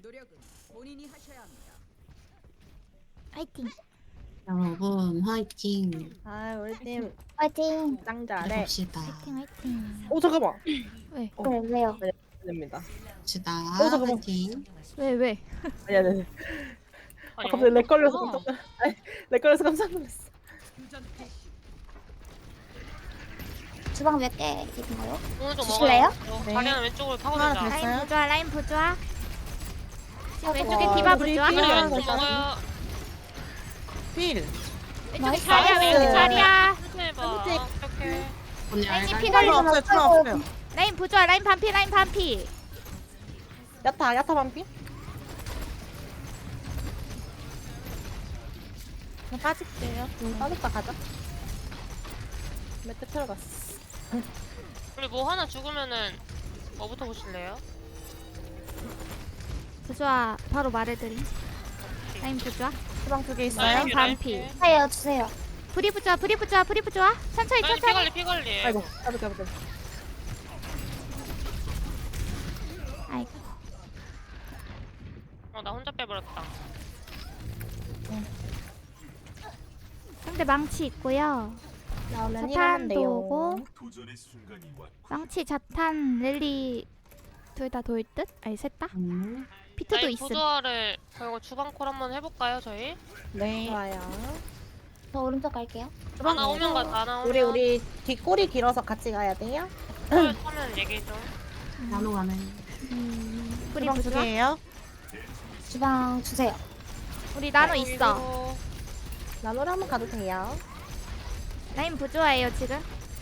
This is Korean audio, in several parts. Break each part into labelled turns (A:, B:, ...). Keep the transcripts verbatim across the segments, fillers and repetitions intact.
A: 노력은 본인이 하셔야 합니다.
B: 파이팅.
C: 여러분 화이팅
D: 아 우리 팀
B: 파이팅.
D: 짱 잘해.
C: 해봅시다.
B: 파이팅 화이팅.
D: 오 잠깐만.
B: 왜?
D: 어.
B: 왜 왜요?
D: 됩니다.
C: 봅시다.
D: 어, 잠깐만.
C: 화이팅.
B: 왜 왜?
D: 아니 아니. 아니. 아,
E: 아니,
D: 갑자기 렉 걸려서
E: 어.
D: 깜짝 아니, 렉 걸려서 깜짝 놀랐어.
A: 교전 개시.
B: 주방 몇 개 있나요?
E: 오른쪽
B: 주실래요?
E: 먹어요.
D: 네.
E: 다리는 왼쪽으로
D: 하나
E: 파고들자.
D: 됐어요?
B: 라인 부조화 라인 부조화. 지금 왼쪽에
D: 와,
B: 디바
D: 우리
B: 부조화.
D: 디바.
E: 다리
D: 하나
E: 왼쪽
D: 됐다.
E: 먹어요.
D: 필.
B: 왼쪽에 나이스. 자리야 왼쪽에 자리야.
E: 해봐.
D: 네.
E: 어떡해.
C: 언니
B: 라인이
C: 알갈.
B: 피가
D: 주방 없어요. 주방 없어요.
B: 라인 부조화 라인 반피 라인 반피.
D: 야타 야타 반피. 그냥 빠질게요. 응, 빠졌다 가자. 매트 틀어갔어.
E: 우리 뭐 하나 죽으면은 뭐부터 보실래요?
B: 부조화 바로 말해드림. 라인 부조화.
D: 주방 두 개 있어요.
B: 라인
E: 라인
B: 반피.
E: 피해.
B: 주세요 주세요. 브리 부조화 브리 부조화 브리 부조화. 천천히
E: 라인
B: 천천히.
E: 피관리 피관리.
D: 아이고 까비 까비 까비.
B: 아이고.
E: 어나 혼자 빼버렸다.
B: 상대 망치 있고요.
D: 나오면
B: 자탄도 오고
F: 도전의 순간이 왔고
B: 망치 자탄 랠리 둘 다 돌 듯? 아니 셋 다?
C: 음.
B: 피트도
E: 라인
B: 있음.
E: 보조화를 그리고 주방콜 한번 해볼까요 저희?
D: 네. 좋아요.
B: 저 오른쪽 갈게요.
E: 하나 오면 가자. 하나 오면.
D: 우리 우리 뒷골이 길어서 같이 가야 돼요.
E: 콜 타면 얘기 좀.
C: 나노 가네.
B: 음, 뿌리
D: 주방 두
B: 부조화?
D: 개예요.
B: 주방 주세요. 우리 나노 있어.
E: 그리고
D: 나노를 한번 가도 돼요.
B: 라인 부조화예요 지금.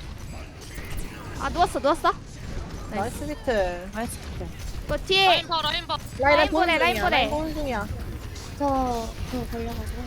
B: 아 누웠어 누웠어.
D: 나이스 비트. 나이스 비트.
B: 그 뒤에
E: 라인 봐 라인 봐.
D: 라인
B: 라인 보내,
D: 보내
B: 라인 보내.
D: 라인 보는 중이야.
B: 저저 걸려가지고.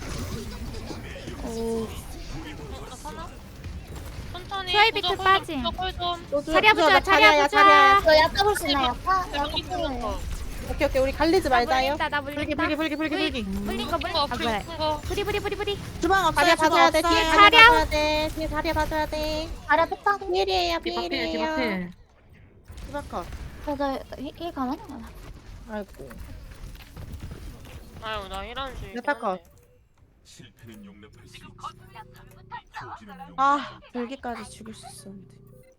B: 오.
E: 나 사나? 천천히.
B: 트라이 비트 빠짐.
E: 콜 좀.
D: 로즈,
B: 자리야
D: 부조화,
B: 부조화
D: 나
B: 자리야
D: 자리야.
B: 부조화. 저 약간 볼수 있나요? 약간
E: 내가 이 불렀어.
D: 오케이 오케이 우리 갈리지
B: 나
D: 말자요.
B: 물린다 나
D: 불기
B: 물린다.
D: 불기 불기 불기 불기.
B: 물린 거 물린
E: 거
B: 거. 아
E: 불
B: 그래.
E: 큰 거.
B: 부리 부리 부리 부리.
D: 주방 다리야 봐줘야 돼. 뒤에
B: 없어요.
D: 다리야
B: 자리야.
D: 봐줘야 돼. 뒤에 다리야 봐줘야 돼.
B: 아래 뺐다.
D: 필이에요
C: 디바필
D: 필이에요.
C: 디바필.
D: 주방 컷.
B: 저저 힐 가면?
D: 아이고.
E: 아유 나 이런 줄.
D: 몇 컷?
F: 실패는 용납할 수 있지. 포기는 용납.
D: 아 불기까지 죽일 수 있었는데.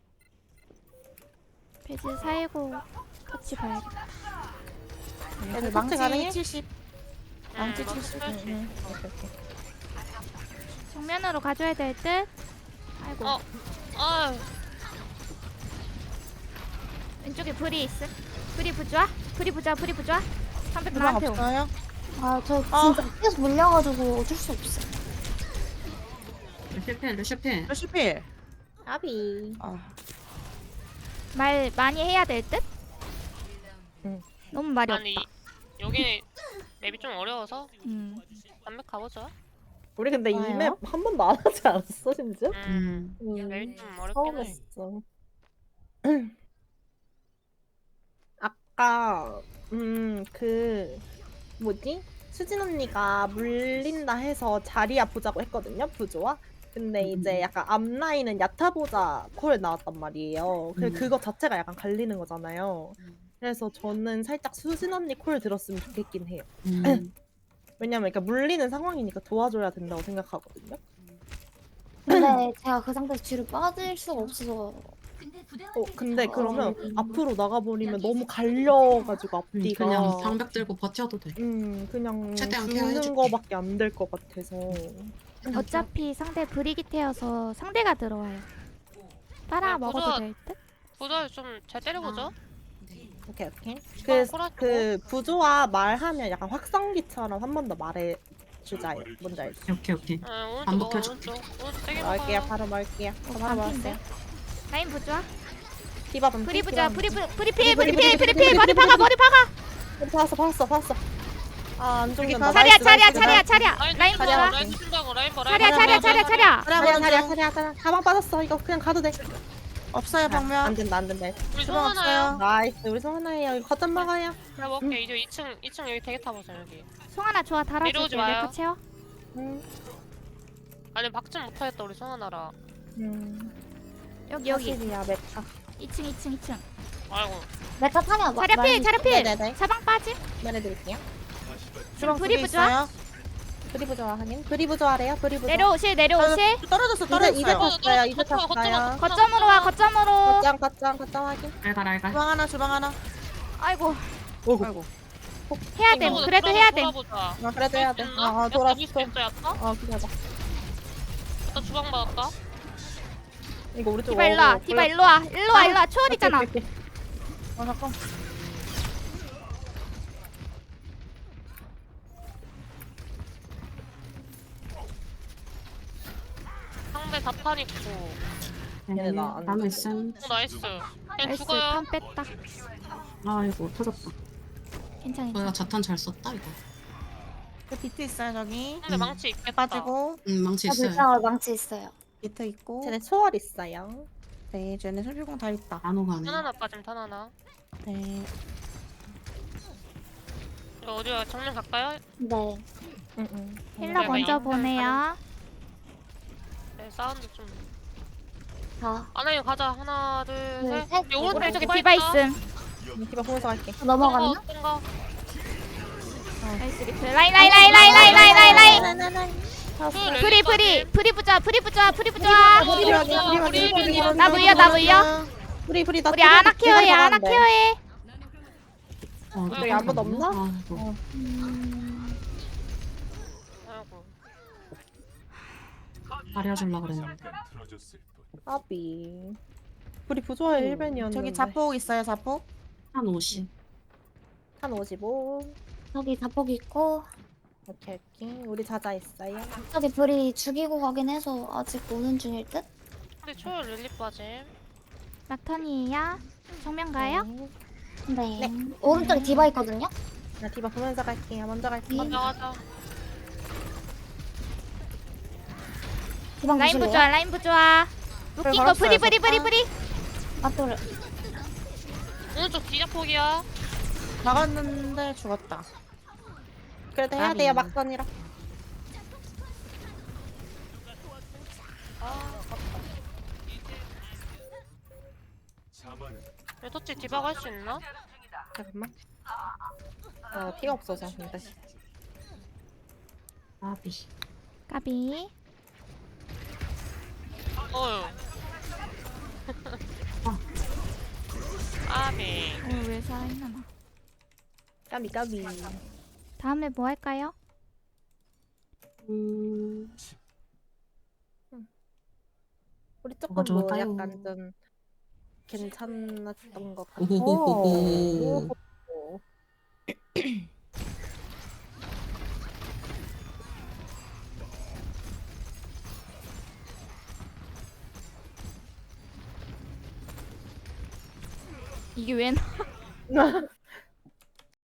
B: 배지 살고 같이 봐야겠다.
D: 애들 망치 가능해?
E: 망치
D: 망치
E: 칠십.
D: 칠십. 응, 응. 오케이 오케이.
B: 정면으로 가줘야 될 듯. 아이고.
E: 어. 아유.
B: 왼쪽에 불이 있음. 불이 부좌? 불이 부좌, 불이 부좌. 삼백
D: 주방
B: 나한테 오.
D: 없어요?
B: 아, 저
D: 아.
B: 진짜 계속 물려가지고 어쩔 수 없어.
C: 루시필 루시필.
D: 루시필. 아비. 아.
B: 말 많이 해야 될 듯?
D: 응.
B: 너무 말이
E: 아니
B: 없다.
E: 여기 맵이 좀 어려워서
B: 음.
E: 단맥 가보죠.
D: 우리 근데 이
B: 좋아요.
D: 맵 한 번도 안 하지 않았어 심지어?
E: 음.
C: 음.
E: 맵이 좀
D: 처음
E: 어렵긴 해.
D: 했어. 아까 음 그 뭐지? 수진 언니가 물린다 해서 자리야 보자고 했거든요 부조와. 근데
C: 음.
D: 이제 약간 앞라인은 야타 보자 콜 나왔단 말이에요. 그
C: 음.
D: 그거 자체가 약간 갈리는 거잖아요.
C: 음.
D: 그래서 저는 살짝 수진 언니 콜 들었으면 좋겠긴 해요.
C: 음.
D: 왜냐면 그러니까 물리는 상황이니까 도와줘야 된다고 생각하거든요.
B: 근데 제가 그 상태에서 뒤로 빠질 수가 없어서.
D: 어 근데 그러면
B: 어.
D: 앞으로 나가버리면 너무 갈려가지고
C: 음,
D: 앞뒤가
C: 그냥 방벽 들고 버텨도 돼.
D: 음 그냥
C: 최대한
D: 죽는
C: 케어해줄게.
D: 거밖에 안 될 것 같아서
B: 어차피 상대 브리기테여서 상대가 들어와요. 따라
E: 네,
B: 먹어도
E: 보조-
B: 될 듯?
E: 보조 좀 잘 때려보죠.
C: 네.
D: 오케이 오케이
E: 주방
D: 그,
E: 콜하시고.
D: 그 부조와 말하면 약간 확성기처럼 한 번 더 말해주자요 뭔지 알지?
C: 오케이 오케이.
E: 어, 오른쪽
C: 반복
E: 먹어
C: 해줄게.
E: 오른쪽. 오른쪽 세게
D: 말게요
E: 먹어요.
D: 바로 말게요
B: 어,
D: 바로
B: 반피인데?
D: 말게요
B: 라인 부좌?
D: 디바 반피
B: 브리 부좌, 브리 부, 브리 피,
D: 브리,
B: 브리
D: 브리,
B: 피,
D: 브리,
B: 브리 피,
D: 브리,
B: 머리
D: 브리,
B: 박아,
D: 브리.
B: 머리 박아.
D: 봤어 봤어 봤어 아안 죽는다
B: 차리야,
D: 나이스,
B: 차리야,
D: 나이스,
B: 차리야,
D: 나이스.
B: 차리야.
E: 라인
B: 라인
E: 좀
B: 부좌.
E: 라인 친다고 라인 봐. 라인
B: 차리야,
E: 봐,
B: 차리야,
E: 라인
B: 차리야,
E: 봐.
B: 차리야.
D: 차리야 차리야 차리야 차리야 가방 빠졌어 이거 그냥 가도 돼
G: 없어요 방면.
D: 안 된다 안 된다
E: 우리
G: 주방
E: 송하나요?
G: 없어요.
D: 나이스 우리 성하나예요 이거 거점 먹어요
E: 그래 먹게. 이제 이 층 이 층 여기 되게 타보자 여기.
B: 송 하나 좋아, 달아줄게.
E: 내려오지 마요.
B: 내거 채워.
D: 음,
E: 아니 박좀 못하겠다 우리 송하나라.
D: 음.
B: 여기, 여기.
D: 사실이야 메타
B: 이 층, 이 층, 이 층.
E: 아이고.
G: 메카 타냐? 마-
B: 자리필
G: 많이-
B: 자리필.
D: 네네네.
B: 사방 빠짐.
D: 말해드릴게요.
B: 지금
D: 브리
B: 브리 부좋아.
D: 브리 부좋아 하긴. 브리 부좋아래요. 브리 부좋아.
B: 내려오실 내려오실.
H: 떨어졌어
D: 이제 이제
H: 떨어졌어요.
D: 탔어요. 이제
E: 거점, 거점,
D: 탔어요.
B: 거점으로 와 거점으로.
D: 거점 거점 거점 하긴.
C: 알갈 알갈.
H: 주방 하나 주방 하나.
B: 아이고
H: 아이고.
B: 해야 돼.
E: 돌아보자,
B: 그래도 해야 돼.
E: 돌아보자.
D: 아 그래도 해야 돼.
E: 야,
D: 아 돌았어.
E: 잡을 수 있어, 야타?
D: 어 기다려.
E: 나 주방 받았다.
D: 이거 우리 쪽.
B: 디바 일로 와. 디바 일로 와. 일로 와 일로 와. 초월 있잖아.
H: 아 잠깐.
E: 상대 자탄 있고.
D: 얘네 나안
C: 나노
D: 죽어.
C: 있음.
E: 어, 나이스. 그냥
B: 나이스
E: 죽어요.
B: 판 뺐다.
C: 아이고 터졌다.
B: 괜찮아.
C: 내가 자탄 잘 썼다 이거.
H: 그 비트 있어요 저기.
E: 상대
C: 음.
E: 망치 있겠다.
H: 빠지고
C: 음 망치
G: 아,
C: 있어요.
G: 물방울 망치 있어요.
H: 비트 있고.
D: 쟤네 초월 있어요.
H: 네, 쟤네 설비공 다 있다.
C: 나노 가네.
E: 탄 하나 빠짐, 탄 하나.
H: 네.
E: 이거 어디야? 정면 갈까요?
G: 네.
D: 응응.
B: 힐러
E: 내가
B: 먼저
E: 영
B: 보내요.
E: 네, 사운드 좀.
G: 자,
E: 아나이 가자. 하나, 둘,
G: 둘,
E: 셋.
G: 셋.
E: 여기 오른쪽에
B: 오른쪽에
E: 디바
B: 디바
E: 있다.
B: 있음.
D: 디바 보면서 갈게.
G: 넘어갔나?
E: 어떤 거?
B: 나이스 리플. 라인 라인 라인 라인 라인 라인 라인 라인.
D: 나나나.
E: 그
B: 프리
E: 렐리
B: 프리 프리 부좋아 프리 부좋아 프리 부좋아.
D: 우리
E: 어,
D: 우리
E: 어,
D: 우리
E: 우리
D: 우리
E: 우리
B: 나 물려 나 물려.
D: 우리 우리 나
B: 우리 아나 케어해 아나 케어해.
C: 어,
D: 여기 아무도 없나?
C: 아이고.
D: 어.
E: 아이고.
C: 가려주려 그랬는데.
F: 잠깐 틀어졌을 뿐.
D: 아비. 우리 부조화의 일벤이었는데.
H: 저기 자폭 있어요 자폭.
C: 한 오십.
D: 한 오십오.
G: 저기 자폭 있고
D: 오케이 오케이. 우리 자자 있어요.
G: 저기 불이 죽이고 가긴 해서 아직 오는 중일 듯?
E: 근데 초월 릴리 빠짐.
B: 막턴이에요. 정면 가요?
G: 네.
D: 네.
G: 오른쪽에 디바 있거든요?
D: 나 디바 보면서 갈게요. 먼저 갈게요.
G: 네.
E: 가자, 가자.
G: 디방
B: 라인
G: 보실래요?
B: 부좋아 라인 부좋아. 웃긴 거
H: 걸었어요,
B: 프리 프리 프리
H: 저.
B: 프리.
G: 맞돌을.
E: 오른쪽 뒤자폭이야.
H: 나갔는데 죽었다.
D: 그래도 해야
H: 아비.
D: 돼요. 막선이라.
F: 자만은
E: 왜 터치 디바가 할 수 있나?
D: 잠깐만. 어 피가 없어서 근데.
C: 아비.
B: 까비.
E: 어휴. 아비.
B: 어왜 살아있나 나.
D: 까비 까비.
B: 다음에 뭐 할까요?
C: 음.
D: 우리 조금
C: 뭐가
D: 뭐
C: 좋을까요?
D: 약간 좀 괜찮았던 것 같아.
C: 오호호호호.
D: 오.
B: 이게 왜 나?